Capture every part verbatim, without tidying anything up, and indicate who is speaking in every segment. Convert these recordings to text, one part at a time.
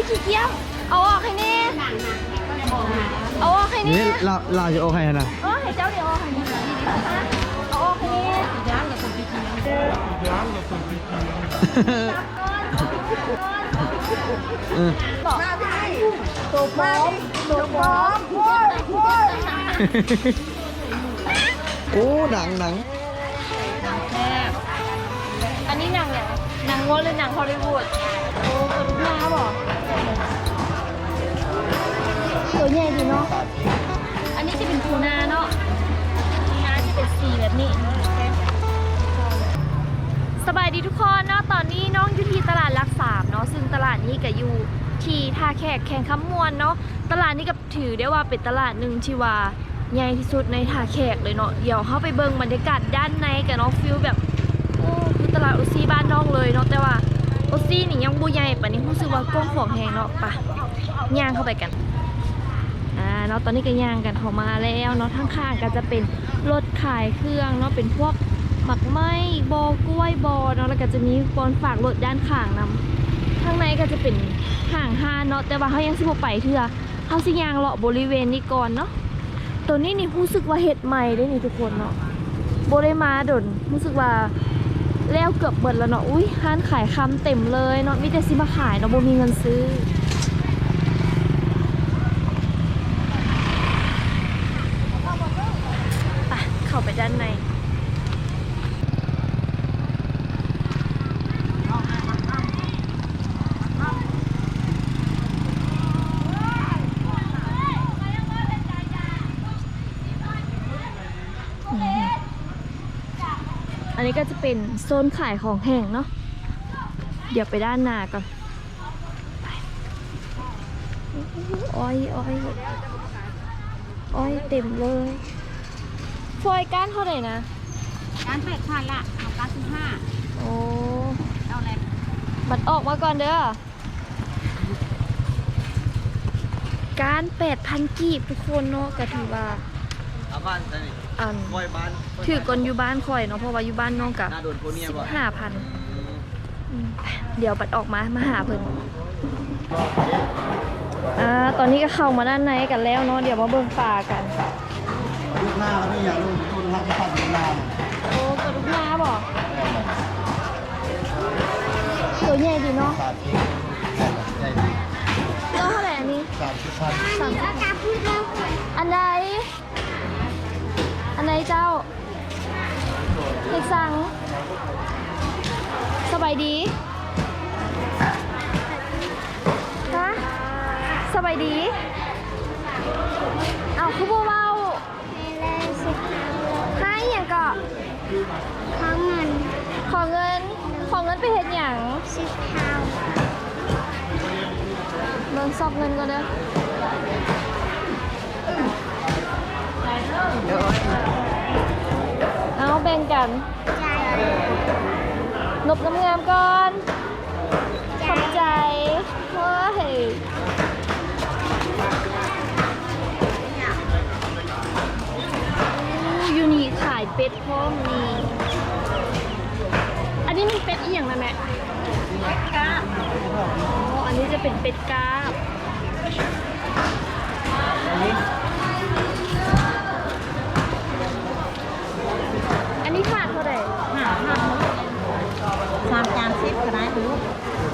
Speaker 1: ขี้เกียจเอาออกให้แน่เอาออกให้แน่
Speaker 2: นี่เราเราจะโอเคนะ
Speaker 1: เออให้เจ้าเดี๋ยวเอาออกให้แน่เอาออกให้แน่ย่างกับคนขี้เกียจย่างกับคนขี้เกียจบอกมาพี่ตัวพร้อมตัวพร้อมโว้ยโว้ย
Speaker 2: โอ้หนังหนัง
Speaker 1: หนังแซ่บอันนี้หนังเนี่ยหนังงดหรือหนังฮอลลีวูดโอ้กระดูกหน้าบอกตัวใหญ่ดีเนาะอันนี้จะเป็นทูน่าเนาะทูน่าจะเป็นสีแบบนี้สบายดีทุกคนเนาะตอนนี้น้องอยู่ที่ตลาดหลักสามเนาะซึ่งตลาดนี้ก็อยู่ที่ท่าแขกแข่งคำมวนเนาะตลาดนี้ก็ถือได้ว่าเป็นตลาดหนึ่งที่ว่าใหญ่ที่สุดในท่าแขกเลยเนาะเดี๋ยวเข้าไปเบิ่งบรรยากาศด้านในกับน้องฟิลแบบโอ้คือตลาดโอซีบ้านน้องเลยเนาะแต่ว่าโอซีนี่ยังบูใหญ่ปะนี้รู้สึกว่ากว้างขวางแหงเนาะปะย่างเข้าไปกันอ่าเนาะตอนนี้ก็ย่างกันเข้ามาแล้วเนาะข้างๆก็จะเป็นรถขายเครื่องเนาะเป็นพวกหมักไหม้บอกล้วยบอเนาะแล้วก็จะมีบอนฝากรถด้านข้างนำข้างในก็จะเป็นห่างห้าเนาะแต่ว่าเขายังสิบไปเถื่อเขาสิย่างเลาะบริเวณนี้ก่อนเนาะตัวนี้นี่รู้สึกว่าเห็ดใหม่ได้นี่ทุกคนเนาะโบได้มาดนรู้สึกว่าแล้วเกือบเบิดแล้วเนาะอุ้ยร้านขายคำเต็มเลยเนาะมีแต่สิมาขายเนาะโบมีเงินซื้อไปเข้าไปด้านในอันนี้ก็จะเป็นโซนขายของแห้งเนาะเดี๋ยวไปด้านหน้าก่อนไปอ้อยอ้อยอ้อยเต็มเลยฟอยก้านเท่าไหร่นะ
Speaker 3: การแปดพันละเอาเก้าสิบห้า
Speaker 1: โอ้
Speaker 3: เอาอะไร
Speaker 1: บัตรออกมาก่อนเด้อการแปดพันกีบทุกคนเนาะก็ถือว่า
Speaker 2: อาบ้านตอนนี้
Speaker 1: อัน
Speaker 2: คอยบ้าน
Speaker 1: ถือก่อนอยู่บ้านคอยเนาะเพราะว่าอยู่บ้านน้องกับ
Speaker 2: น่าโดนโคเนีย
Speaker 1: สิบ
Speaker 2: บ่
Speaker 1: ห้าพันเดี๋ยวบัตรออกมามาหาเพิ่นอ่าตอนนี้ก็เข้ามาด้านในกันแล้วเนาะเดี๋ยวมาเบิ่งปลากัน
Speaker 2: ลูกหน้าแล้วนี่อย่างลูกลูกรักจะพัดลูกหน้า
Speaker 1: โอ้กระดูกหน้าบอกตัวใหญ่ดีเนาะ
Speaker 2: สามสิบใหญ่ดี
Speaker 1: ตัวเท่าไหร่อันนี้
Speaker 2: สามสิบพัน
Speaker 1: สามสิบอันใดอันไหนเจ้าเด็กสั่งสบายดีฮะสบายดีเอาคือบัวเบาให้อย่างก็
Speaker 3: ขอเงิน
Speaker 1: ขอเงินขอเงินไปเห็นอย่าง
Speaker 3: สิบเท่า
Speaker 1: เมืองซอกเงินก็เด้อเอาแบ่งกัน
Speaker 3: ใจ
Speaker 1: นบงามๆก่อนขอบใจเฮ้ยยูนี่ขายเป็ดพร้อมนี่อันนี้มันเป็ดอีหยังนะแม่เป็ดกาบอ๋ออันนี้จะเป็นเป็ดกาบอันนี้ขาดเท่าไหร่
Speaker 3: ห้าห้าสามจานสิบก็ได้ลูก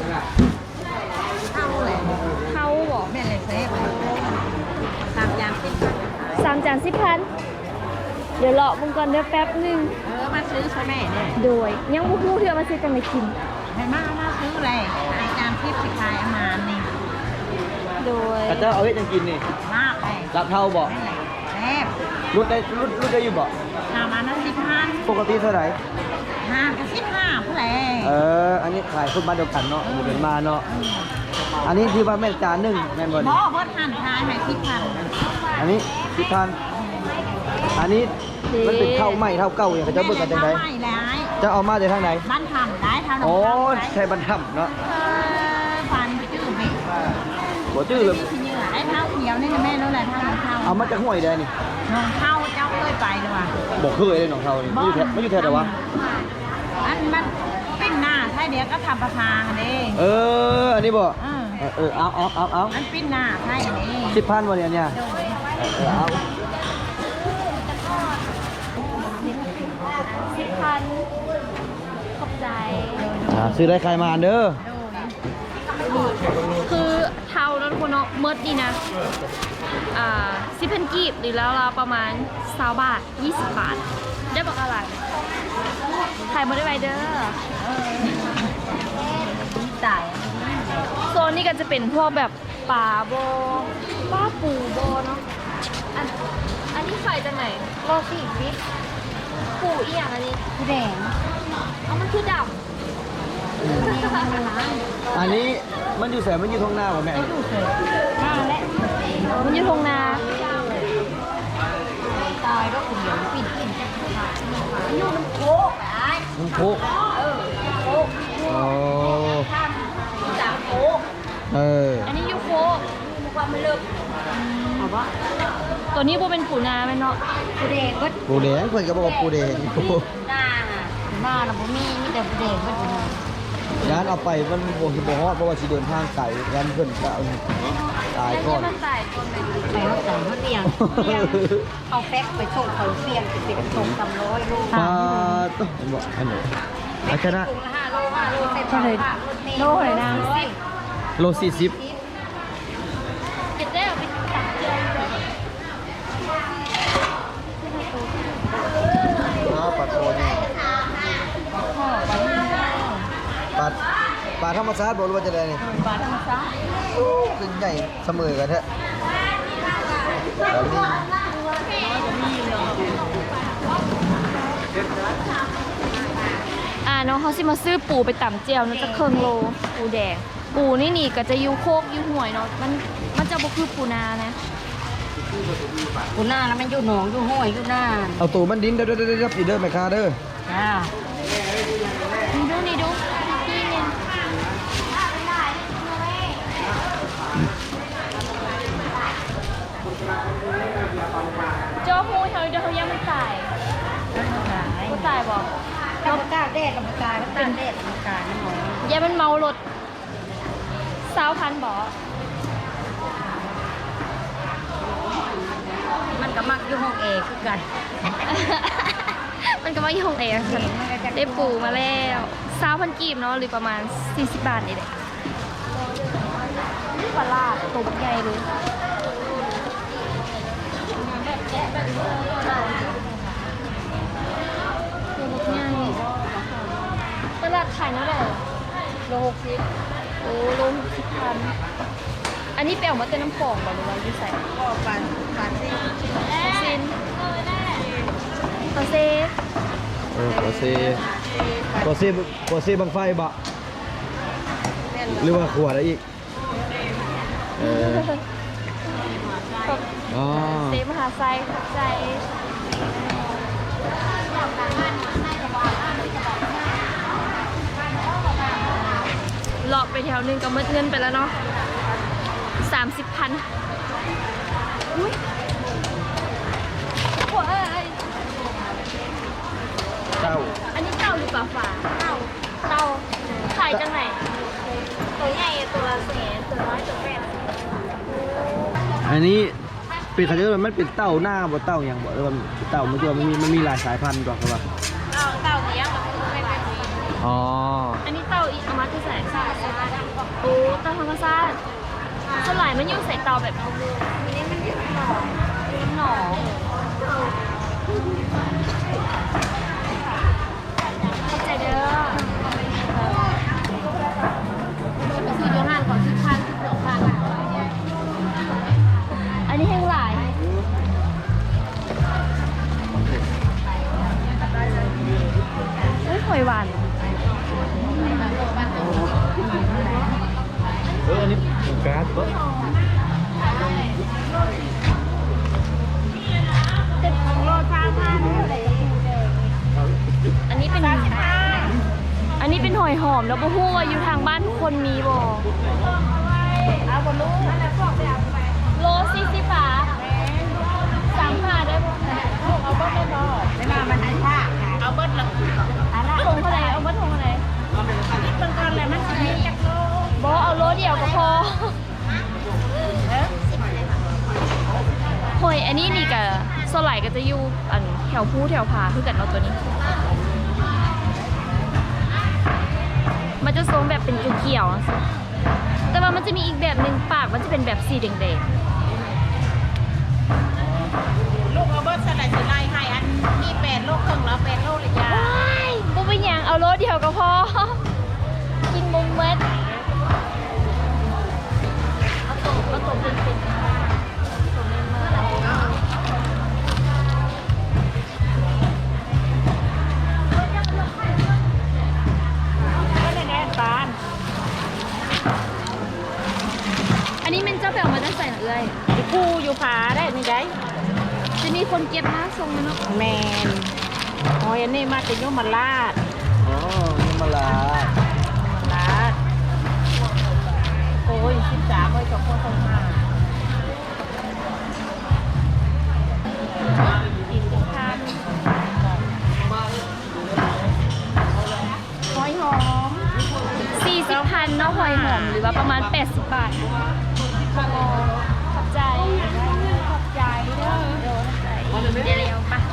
Speaker 3: เอาเลย
Speaker 1: เท่าบอก
Speaker 3: แม่เลยเซฟสามจานสิบ
Speaker 1: สามจานสิบพันเดี๋ยวรอมึงก่อนเดี๋ยวแป๊บหนึง
Speaker 3: เออมาซื้อใช่ไหมเนี่ย
Speaker 1: โดยยังบุพูเถื่อมาซื้อกันมากิน
Speaker 3: ให้มามาซื้อเลยไอจานสิบสิขายอามานี่
Speaker 1: โดย
Speaker 2: แต่เจ้าเอาไว้ยังกินนี่
Speaker 3: มากเลย
Speaker 2: รับเท่าบ่
Speaker 3: นั่นแหละแซฟ
Speaker 2: รุดได้รุดรุดได้อยู่บ่
Speaker 3: ทำมานั้นสิบพัน
Speaker 2: ปกติเท่าไหร่
Speaker 3: ห้ากับสิบห้าเพื่ออะไร
Speaker 2: เอออันนี้ขายคนบ้านเดียวกันเนาะอยู่เป็นมาเนาะอันนี้ที่ว่าแม่นจานหนึ่งแม่นบ่
Speaker 3: บ
Speaker 2: นี่
Speaker 3: อเพิ่นหันทายให้สิบพัน
Speaker 2: อันนี้สิบพันอันนี้มันเป็นเท่าไหมเท่าเก่าอย่างเขาจะเบิกกันจังได
Speaker 3: ไม่ร้าย
Speaker 2: จะเอามาจากทางไหน
Speaker 3: บ้านทำได้เท่านั้น
Speaker 2: โอ้
Speaker 3: ได้
Speaker 2: ใช่บรรทับเนาะ
Speaker 3: ฟันจืดไหม
Speaker 2: หัวจื้อเลย
Speaker 3: ที่เหนือได้เท่าเขียวนี่แม่รู้แหละเท่าเท่า
Speaker 2: เอามาจากห้วยได้นี่
Speaker 3: น้องเท่าเจ้าเคยไปหรือวะ
Speaker 2: บอกเคยเลยน้องเท่านี่ไม่อยู่แถวไม่อยู่แถวไหนวะ
Speaker 3: อันมันปิ้งหน้าใช่เดี๋ยวก็ทำประพากันเอง
Speaker 2: เอออันนี้บอก
Speaker 3: เออ
Speaker 2: เออเออเอาเอาเอาเอา
Speaker 3: มันปิ้นหน้าใช่ไหม
Speaker 2: สิบพันวันเนี่ยเนี่ยเออเอา
Speaker 1: สิบพันขอบใจ
Speaker 2: อ่าซื้อได้ใครมาเด้อ
Speaker 1: คือเท่านั้นคนเนาะเมิดนี่นะ อ่าสิบพันกีบหรือแล้วเราประมาณสามบาทยี่สิบบาท ได้บอกอะไรถ่ายมาได้ไวเด้อ
Speaker 3: ตาย
Speaker 1: โซนนี้ก็จะเป็นพวกแบบปลาโบปลาปูโบเนาะ อันอันนี้ขายจากไหน
Speaker 3: โลสี่ฟิต
Speaker 1: ปูอีอย่างอันนี้
Speaker 3: ผู้แดง
Speaker 1: เอามันคือด
Speaker 2: อันนี้มันอยู่แสนมันอยู่ทงหน้าป่ะแม่
Speaker 3: ดูเสร็จมาแล้ว
Speaker 1: ำมันอยู่ทงนา
Speaker 3: ตายก็คุณเหลืองปิ่นปิ่นจะขาดมันอยู่มันโค้งไอ้
Speaker 2: มันโคก
Speaker 3: เออโค้ง
Speaker 2: อ๋อ
Speaker 3: ทำจากโค้ง
Speaker 2: เออ
Speaker 1: อันนี้ยูโค
Speaker 3: ความไม่เลิกเอาวะ
Speaker 1: ตัวนี้โบเป็นปูนาไหมเนาะ
Speaker 3: ผู้แดงก็
Speaker 2: ปูแดงเพื่อนก็บอกว่าปูแดง
Speaker 3: หน้าหน้าเราบ่มีมีแต่ผู้แดงก็ผู้แดง
Speaker 2: ร้านเอาไปมันโบสิบฮอดเพราะว่าสิเดินทางไกลร้านเพื่อนก็เอาตาย
Speaker 1: แล้ว
Speaker 2: ก่อ
Speaker 1: เนี่ย
Speaker 2: น
Speaker 1: มันตายก่อนไหม
Speaker 3: ไปเขาใส่เขาเตียงเตียงเอาแฟกไปส่งเขาเตียงจะเป็นส่งตำร้อยลูก
Speaker 2: ปลาต้องผมบอกอันไหนอาชนะ
Speaker 3: ถุงละห้าโลห้าโลเสร็จแล้วค่ะรถเมล์
Speaker 1: โลเลยนะ
Speaker 2: โลสี่สิบ
Speaker 1: เก็บได้เอาไปตักเดือนเลย
Speaker 2: อ้าวปลาโคเนี่ยปลาปลาธรรมชาติบอกว่าจะได้นี่
Speaker 3: บาทธรรมชาติ
Speaker 2: ขึ้นใหญ่เสมอกันแท้แล้วนี่
Speaker 1: อ่าน้องเขาสิมาซื้อปูไปต่ำเจียวนะจะเครื่องโลปูแดง ปูนี่นี่ก็จะอยูโคกอยูห่วยเนาะมันมันจะบ่คือปูนานะ
Speaker 3: กูหน้าแล้วมันอยู่หนองอยู่ห้วยอยู่หน้า
Speaker 2: เอาตัวมันดินเด้อเด้อเด้อเด้อปีเด้อแม่ค้าเด้อ
Speaker 3: จ้า
Speaker 1: นี่ดูนี่ดูนี่เนี่ยเจ้าหูเขาเดี๋ยวเขายังไม่ตาย
Speaker 3: ขาย
Speaker 1: เขาตายบอก
Speaker 3: กับกาแดดกับกาเป็นแดดกับกาน้ำหอม
Speaker 1: ยายมันเมารถสาวพันบอก
Speaker 3: มันก็มักอยู่ห้องเอคือกัน
Speaker 1: มันก็มาอยู่ของเองได้ปูมาแล้วสาวพันกีบเนาะหรือประมาณสี่สิบบาทนี่แหละปลาลาดตบใหญ่เลยตลาดขายเท่าไหร่โลหกสิบโอ้โลหกสิบพันอันนี้ไปเอามาเต้นน้ำฟองบ่หรือว่าอยู่ใส่
Speaker 3: ก็ปันปันสิ
Speaker 1: ซินตาเซ
Speaker 2: เออตัวเซตัวเซตัวเซบังไฟบะหรือว่าขวดอะไรอีกเอออ๋อ
Speaker 1: เซมหาไซขอบใจหลอกไปแถวหนึงก็เมื่อเงินไปแล้วเนาะสามสิบพันอุ้ยโอ้ย
Speaker 2: เจ้า
Speaker 1: อันนี้เต่าหรือปลาฝาเต่าเต่าขายจังไหนตัวใหญ่ตัวละแสนตัวน้อยตัวแปด
Speaker 2: อันนี้เป็นเขาเรียกว่ามันเป็นเต่าหน้าบ่เต่าอย่างบ่หรือว่าเต่ามันตัวมันมีมันมีหลายสายพันธุ์ก่อนครับว่า
Speaker 1: เต่าเต่าเลี้ยงแบบไม่เป็น
Speaker 2: อ๋อ
Speaker 1: อันนี้เต่าอีกเอามาที่ใส่โอ้เต่าธรรมชาติสลายมันอยู่ใส่เต่าแบบนี้มันอยู่หนองหนองเข้าใจเด้อซื้อโยงานก่อนสิบพันสิบสองพันอันนี้แห้งหลายอุ้ยหอยหวาน
Speaker 2: เอออันนี้การ์ดบ่
Speaker 1: อันนี้เป็นอันนี้เป็นหอยหอมแล้วบ่ฮู้ว่าอยู่ทางบ้านทุกคนมีบ่เอาบ่รู้โลสี่สิบบาทสามห้าได้บ่เอาเบิ้ลได้บ่
Speaker 3: ไม่มามันอันท่าเอาเบิดละอันละ
Speaker 1: ถุงเท่าไหร่เอาเบิ้ลถุงเท่าไหร่
Speaker 3: อันนี้เป็นก้อนอะไรมันจะมีจักโล
Speaker 1: บ่เอาโลเดียวก็พออันนี้นี่กับโซไลก็จะอยู่อันแถวผู้แถวผาคือกันเนาะตัวนี้ มันจะทรงแบบเป็นเขียวๆอะสิแต่ว่ามันจะมีอีกแบบหนึ่งปากมันจะเป็นแบบสีแดง
Speaker 3: ลูกเอาเบิร์ดสไลด์สไลด์ให้อันมีแปดโลกครึ่งแล้วแปดโลกเลย
Speaker 1: ๆ
Speaker 3: จ้า
Speaker 1: ว้ายบุเป็นหยังเอาโลเดียวก็พอ กินมุมเม็ดเอาตกเอาตกเป็นเป็นตกเป็นเมื่อไหร่
Speaker 3: ก็ในแน่ตาล
Speaker 1: อันนี้มันเจ้าไปเอามาได้ใส่หรือเอ้ย
Speaker 3: ไอ้ผู้อยู่ผาได้นี่ได้
Speaker 1: จะมีคนเก็บมาทรงมันเนาะ
Speaker 3: แมนโอ้ยอันนี้มาจากโยมราช
Speaker 2: อ๋อนี่มาลา
Speaker 3: ราชโอ้ยสิบสามไว้กับพ่อต้องห้า
Speaker 1: อีกพันหอยหอมสี่สิบพันเนาะหอยหอมหรือว่าประมาณแปดสิบบาทขอบใจขอบใจเด้อเดี๋ยวใจเดี๋ยวเร็วปะ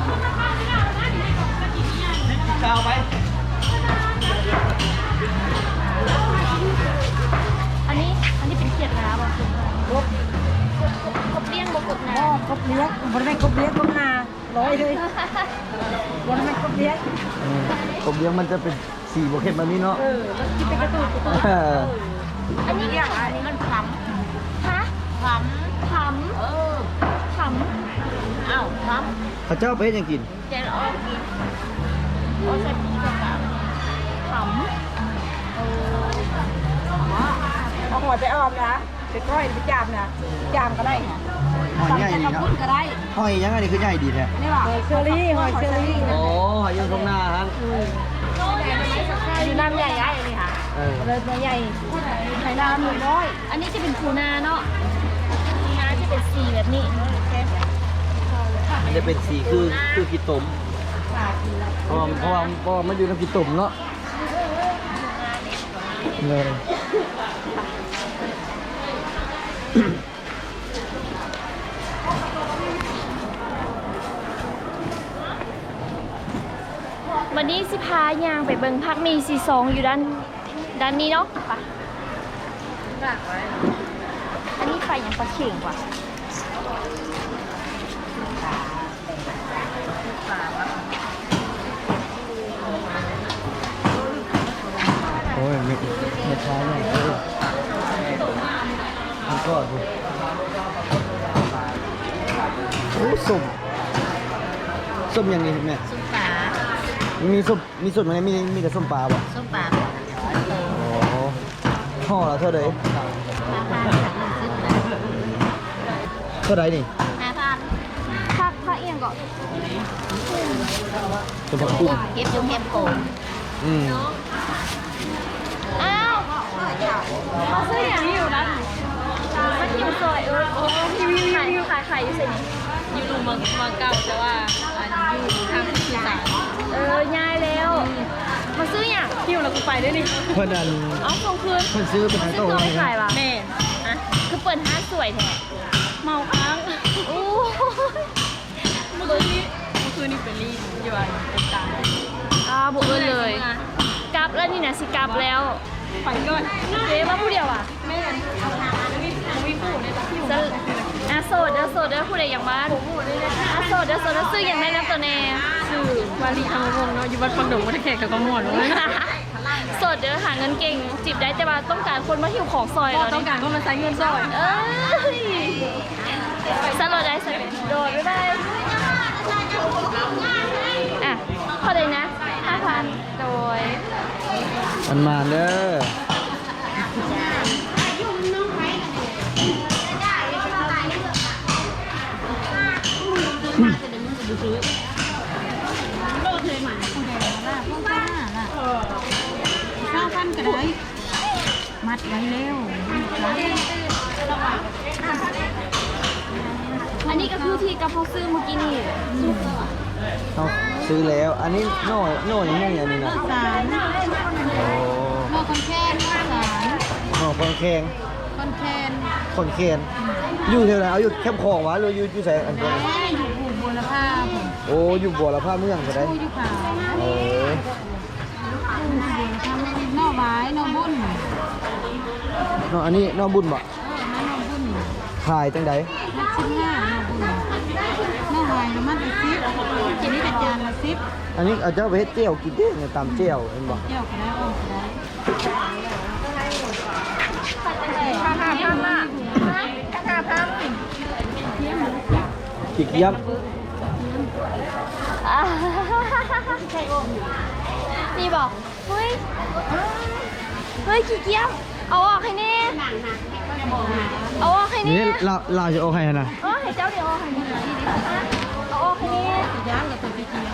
Speaker 2: ข้าวไป
Speaker 1: อันนี้อันนี้เป็นเขียดน้ำอ่ะกบกบเลี้ยงบกบน้
Speaker 3: อ๋อกบเลี้ยงบริเวณกบเลี้ยงกบนาร้อยเลยบริเวณกบเลี้ยง
Speaker 2: ผมเลี้ยงมันจะเป็นสีโบเค็ตแบบนี้เนาะ
Speaker 3: เออแล้วกินเป็นกระตุ้นกระตุ้น
Speaker 2: เออ
Speaker 1: ำอันนี้
Speaker 3: อย่างอันนี้มันข
Speaker 1: ฮะ
Speaker 3: ำข
Speaker 1: ข
Speaker 3: ำเออ
Speaker 1: ำข
Speaker 3: อ้าวข
Speaker 2: ข้าเจ้าไปเฮ็ดหยังกิน
Speaker 3: ำเจนออกกินโอ้ใส่ปีกกับ
Speaker 1: ำข
Speaker 3: เอาหัวไปออมนะไปก้อยไปจามนะจามก็ได้ค่ะ
Speaker 2: หอยใหญ่
Speaker 3: จะ
Speaker 2: นี่
Speaker 3: กระ
Speaker 2: เนาะ
Speaker 3: พุ้นก็ได้
Speaker 2: หอยยังไงนี่คือใหญ่ดีแท้
Speaker 3: นี่หรอหอยเชอรี่หอยเชอรี่
Speaker 2: โอ้หอยยังตรงหน้าฮะ
Speaker 3: อยู่น้ำใหญ่ใหญ่เลยค่ะ
Speaker 2: เออ
Speaker 3: เลยตัวใหญ่ไข่ดาวหนึ่งร้อย
Speaker 1: ำอันนี้จะเป็นปูนาเนาะปูนาจะเป็นสีแบบนี้
Speaker 2: มันจะเป็นสีคือคือกีตมเพราะว่าเพราะว่าเพราะว่ามันอยู่ในกีตมเนาะเลย
Speaker 1: วันนี้สิพายางไปเบิงพักมีซีซองอยู่ด้านด้านนี้เนาะไปอันนี้ไปยังปลาเข่งกว่า
Speaker 2: โอ้ยไม่ไม่ช้าเนี่ยเออมันก็ดูโอ้ส้มส้มอย่างนี้แม่
Speaker 3: ส้มปลา
Speaker 2: มีส้มมีส้มอะไรมีมีแต่ส้มปลาบ่
Speaker 3: ส้มปลา
Speaker 2: อ๋อห่อละเท่าไหร่เท่าไหร่นี่
Speaker 3: ห้าพัน
Speaker 1: พักพักเอียงก่อน
Speaker 2: เป็นผักกุ้ง
Speaker 3: เก็บอยู่เก็บโกง
Speaker 2: อืม
Speaker 1: อ้าวเขาซื้ออย่างนี้อยู่นะมันอยู่ซอยเออขายขายขายอยู่เซนี่
Speaker 3: อยู่ลุงมังมังเก่าแต่ว่าอันอยู่ทางที่สาม
Speaker 1: เออย้ายแล้วมาซื้ออย่าง
Speaker 3: คิวแล้วกูไปด้วยนี่
Speaker 2: เพิ่นอัน
Speaker 1: เอาส่งคืน
Speaker 2: เพิ่นซื้อไปขาย
Speaker 1: ซื้
Speaker 2: โต๊ะ
Speaker 1: อตัว
Speaker 2: ไว้
Speaker 1: ไม่ขายว่ะ
Speaker 3: แม่อะ
Speaker 1: คือเปิดห้างสวยแท้
Speaker 3: เมาค้าง
Speaker 1: โอ้
Speaker 3: เมื่อคืนนี้เมื่อคืนนี้เป็นรีดอยู่อ่ะเป็นตา
Speaker 1: อาบุกเอิ้นเลยกลับแล้วนี่นะสิกลับแล้ว
Speaker 3: ฝันก่อน
Speaker 1: เจ๊มาผู้เดียวอ่ะ
Speaker 3: แม่เอาทางอันนี้มีผู้ในตะคิว
Speaker 1: จะอาโซดอาโซดเด้อผู้ใดอย่างบ้านอาโซดอาโซดซื้ออย่างไรน้ำตัวแน่
Speaker 3: ชื่อวาลีทางวงเนาะอยู่บ้านฟังดงวัดแขกกับกระมวล
Speaker 1: โสดเด้อหาเงินเก่งจีบได้แต่ว่าต้องการคนมาหิวของซอย
Speaker 3: เรา
Speaker 1: เรา
Speaker 3: ต้องการก็มาใช้เงินซอย
Speaker 1: เอ้ยสโลดได้สโลดโดดบ๊ายบายอ่ะเท่าไหร่นะห้าพันโดย
Speaker 2: มันมาเด้อ
Speaker 3: โลดเลยหมาผู้ใดล่ะพวกป้าล่ะเก้าพันก็ได้มัดไว้เร็ว
Speaker 1: อันนี้ก็คือที่กระเพาะซื้อเมื่อกี้นี่
Speaker 2: เอาซื้อแล้ว อันนี้โน่โน่ยังไงอันนี้นะ
Speaker 3: สาร
Speaker 2: โอ้
Speaker 3: โลคนแค้นสาร
Speaker 2: โน่คนแข็ง
Speaker 3: คนแค้น
Speaker 2: คนแข็งอยู่แถวไหนเอาอยู่แคมป์คลองวะหรืออยู่อยู่ไสอัน
Speaker 3: แม่
Speaker 2: นั้น
Speaker 3: อยู่บูบุรพาผม
Speaker 2: โอ้อยู่บัวละผ้าเมืองก็ได้
Speaker 3: ผู้อยู่ขาว
Speaker 2: เออ
Speaker 3: ผู้อยู่บูรพานอกไว้นอกบุญ
Speaker 2: เนาะอันนี้น้องบุญบ่
Speaker 3: เออนั่นนอกบุญ
Speaker 2: ขายจังได
Speaker 3: นักชิ้นห้านอกบุญนอกไว้แล้วมันเป็นซิปกินนี่เป็นจานละซิป
Speaker 2: อันนี้เอาเจ้าไปเฮ็ดเจียวกินเด้เนี่ยตำเจียวเห็นบ่
Speaker 3: เจียวก็ได้อ้อมก็ได้
Speaker 1: ห้าห้าพันอ่ะห้าพัน
Speaker 2: ขี้เกียจ
Speaker 1: อ่านี่บอกเฮ้ยเฮ้ยขี้เกียจเอาออกให้แน่เอาออกให้
Speaker 2: นี่
Speaker 1: แน่
Speaker 2: เราเราจะโอเคนะ
Speaker 1: เออให้เจ้าเดี๋ยวเอาออกให้แน่เอาออกให้แน่
Speaker 3: ย่างกับตัวปีเกียง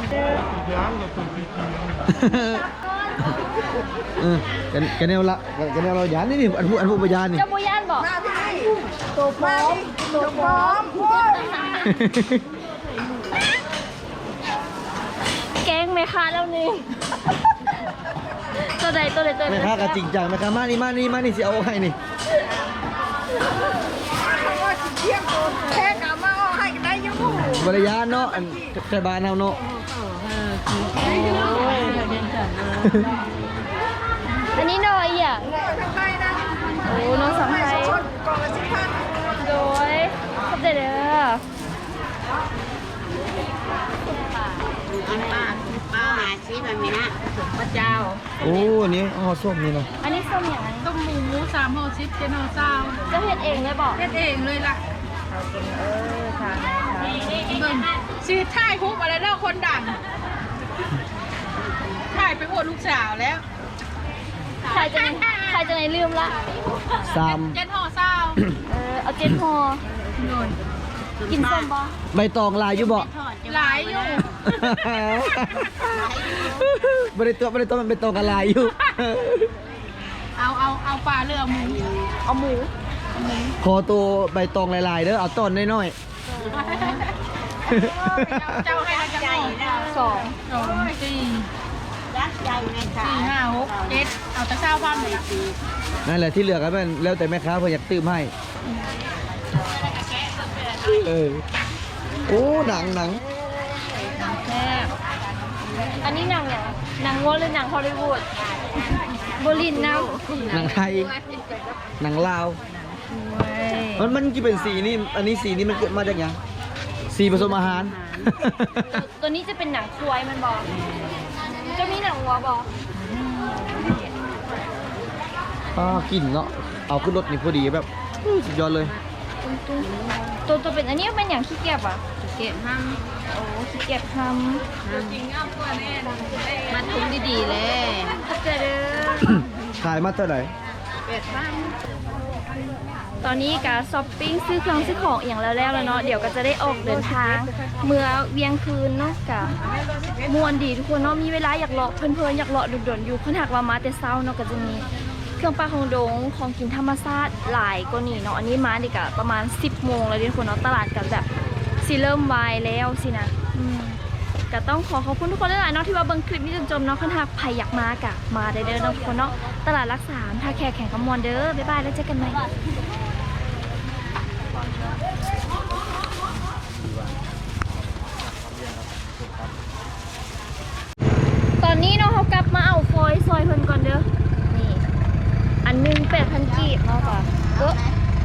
Speaker 2: เออกันกันแนวละกันแนวเราหยานนี่นี่อันผู้อันผู้ประยานนี่
Speaker 1: เจ้าบุญานบอกตัวพร้อมตัวพร้อมแกงไหมคะแล้วนี่ตัวใดตัวใดตัวใด
Speaker 2: แม่ค้าก็จริงจังแม่ค้ามานี่มานี่มานี่สิเอาให้นี่
Speaker 4: แค่กะมาเอาให้ได้อยู่
Speaker 2: บริยานเนาะอันใส่บานเฮาเนาะ
Speaker 1: อันนี้น้อยอ่ะ
Speaker 4: ทางใต้นะ
Speaker 1: โอ้น้องสามไทย
Speaker 4: ชดกล่องละสิบพัน
Speaker 1: โดยขอบใจเด้อ
Speaker 3: ป้าป้าหาชีแบบนี้นะพระเจ้า
Speaker 2: โอ้อันนี้ห่อส้มนี่เนาะ
Speaker 1: อันนี้ส้มอย่างไร
Speaker 3: ต้มหมูหมูสามห่อชิปเจนห่อเศร้า
Speaker 1: เจะเห็ดเองเลยบอก
Speaker 3: เฮ็ดเองเลยล่ะเบิ่งชีถ่ายคุกอะไรเด้อคนดังถ่ายไปอวดลูกสาวแล้ว
Speaker 1: ใครจะไหนใครจะไหนลืมละ
Speaker 2: สาม
Speaker 3: เจนห่อเศร้า
Speaker 1: เออเอาเจนฮอ
Speaker 3: โน่น
Speaker 1: กินส้มบ่
Speaker 2: ใบตองลายอยู่บ่
Speaker 3: หลายอยู่
Speaker 2: บ่ได้ตัวบ่ได้ตัวมันเป็นตองกันลายอยู่
Speaker 3: เอาเอาเอาปลาเรือหมู
Speaker 1: เอาหมู
Speaker 2: ขอตัวใบตองลายๆเด้อเอาต้นน้อย
Speaker 3: เจ้าให้เราจะห่อ
Speaker 1: สอง
Speaker 3: สองสี่สี่ห้าหกเจ็ดเอาแต่เช้าพันเลย
Speaker 2: ๆนั่นแหละที่เหลือก็เป็นแล้วแต่แม่ค้าเพิ่นอยากตื้มให้เออโอ้หนังหนัง
Speaker 1: แซ่บอันนี้หนังเนี่ยหนังวัวหรือหนังฮอลลีวูดโบลินน้ำ
Speaker 2: หนังไทยหนังลาว
Speaker 1: เว้ย
Speaker 2: มันมันกี่เป็นสีนี่ อันนี้สีนี้มันเกิดมาจากหยังสีผสมอาหาร
Speaker 1: ตัวนี้จะเป็นหนังควายมันบอกจะมีหนังวัวบอก
Speaker 2: อ่ากลิ่นเนาะ เอาขึ้นรถนี่พอดีแบบอื้อสุดยอดเลย
Speaker 1: ตัวตัวเป็นอันนี้เป็นอย่างขี้เกียจอ่ะ
Speaker 3: เก็บห้าม
Speaker 1: โอ้ขี้เกียจท
Speaker 3: จริงเอาตัวแน่มันทุงดีๆเลย
Speaker 1: ำเข้าใจเด้อ
Speaker 2: ขายมาเท่าไหร่
Speaker 3: เป็ดบ้าง
Speaker 1: ตอนนี้กาช้อปปิ้งซื้อเครื่องซื้อของอย่างแล้วแล้วแล้วเนาะเดี๋ยวก็จะได้ออกเดินทาง เมื่อเวียงคืนเนาะกะมวนดีทุกคนเนาะมีเวลาอยากเลาะเพลินๆอยากเลาะดุนๆอยู่คนหักว่ามาแต่เช้าเนาะก็จะมีเครื่องปลาของดงของกินธรรมชาติหลายก็นี่เนาะอันนี้มาดีกะประมาณสิบโมงแล้วทุกคนเนาะตลาดกันแบบสิเริ่มวายแล้วสินะอืมก็ต้องขอขอบคุณทุกคนหลายๆเนาะที่ว่าเบิ่งคลิปนี้จนจบเนาะคนหักใครอยากมากะมาได้เด้อเนาะทุกคนเนาะตลาดรักษาท่าแขกแข่งกำมวนเด้อบ๊ายบายแล้วเจอกันใหม่ ตอนนี้เนาะเขากลับมาเอาฟอยซอยเพิ่นก่อนเด้อ นี่ อันหนึงแปดพันกีบเนาะค่ะเออ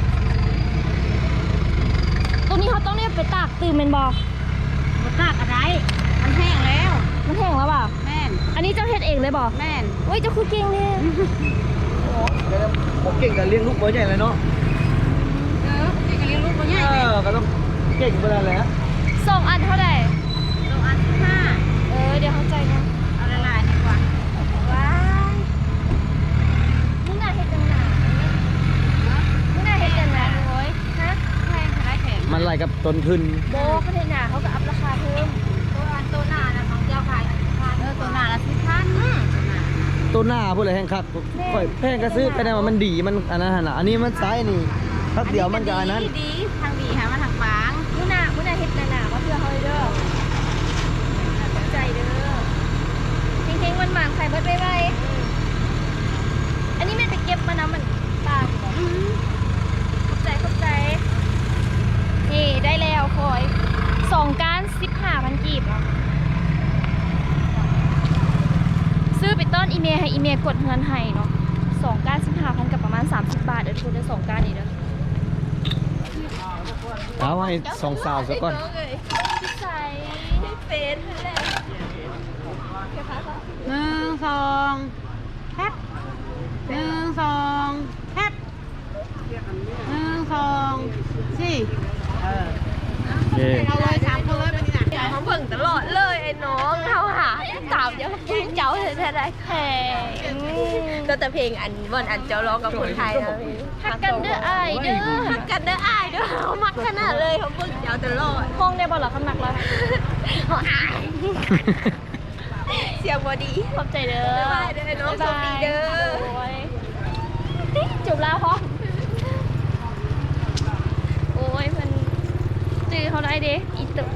Speaker 1: ตัวนี้เขาต้องเนี่ยไปตากตื่นเป็นบอ
Speaker 3: มาตากอะไร มันแห้งแล้ว
Speaker 1: มันแห้งแล้วเปล่า
Speaker 3: แม่น
Speaker 1: อันนี้เจ้าเฮ็ดเองเลยบอ
Speaker 3: แม่น
Speaker 1: เฮ้ยเจ้าคือเก่งเนี่ย
Speaker 2: ผมเก่งกับเลี้ยงลูกเบอร์ใหญ่เลยเนาะ
Speaker 3: เออที่กะเลี้ยงลูกตัวใหญ่
Speaker 2: เอ
Speaker 3: เลย
Speaker 2: อก็ต้องเก่งเบอร์นั้นแหละ
Speaker 1: สองอันเท่าไหร่
Speaker 3: ตัวอันที่ห้า
Speaker 1: เออ เดี๋ยวเข้าใจนะ
Speaker 3: เอาละลายดีกว่า
Speaker 1: ว้ายมึงน่าเฮ็ดจังหนามึงน่าเฮ็ดจังหนาโอ้ยฮะ
Speaker 3: แพงขนาดแข็ง
Speaker 2: มันไหลกับต้นทุน
Speaker 1: โบประเทศหนาเขาก็อัพราคาเพิ่ม
Speaker 3: ตัวอันตัวหน้านะของเจ้าขายพันเออตัวหน้าละสิบพัน
Speaker 2: ต้นหน้าพูดเลยแห้งคักค่อยแพงก็ซื้อก็ได้ว่ามันดีมันอันนั้นหั่นน่ะอันนี้มันซ้ายนี่พักเดียวมันก็อันนั้น
Speaker 3: ดีดีทางดีค่ะมาทางฟาง
Speaker 1: มุนามุนาเฮ็ดหนาๆว่าเพื่อเฮาเด้อขอบใจเด้อเฮงๆมันหมานๆไข่เบิดไว้ๆอันนี้แม่นไปเก็บมานะมันตากบ่ขอบใจขอบใจยกดเงินให้เนาะสองก้านสิบห้าพันกับประมาณสามสิบบาทเดี๋ยวทุนได้สองก้านนี่เด้อ
Speaker 2: เอาให้สองสาวซะก่อน
Speaker 1: ใส่เฟซเลย
Speaker 3: หนึ่งสองแคปหนึ่งสองแคปหนึ่งสองสี่เออ
Speaker 2: โอเค
Speaker 3: เอาเลยสามคนเลยเป็นยังไง
Speaker 1: เขาเบิ่งตลอดเลยไอ้น้องเขาหาเก่าเดี๋ยวเพลงเจ้าเธอจะได้แข่ง
Speaker 5: ก็แต่เพลงอันวันอันเจ้าร้องกับคนไทยนะ
Speaker 1: ฮักกันเด้อไอายเด้อ
Speaker 5: ฮักกันเด้ออ้ายเด้อเขามักขนาดเลยเขาเพิ่งเจ้าตลอด
Speaker 1: ห้องได้บอลหรอคำหนักเลย
Speaker 5: เขาอายเสียงบอดี
Speaker 1: ขอบใจเด้อ
Speaker 5: บ๊ายบายเด้อน้องโชคดีเด้อ
Speaker 1: โยจุบแล้วพอโอ้ยมันจื้อเขาได้เด้อีตึก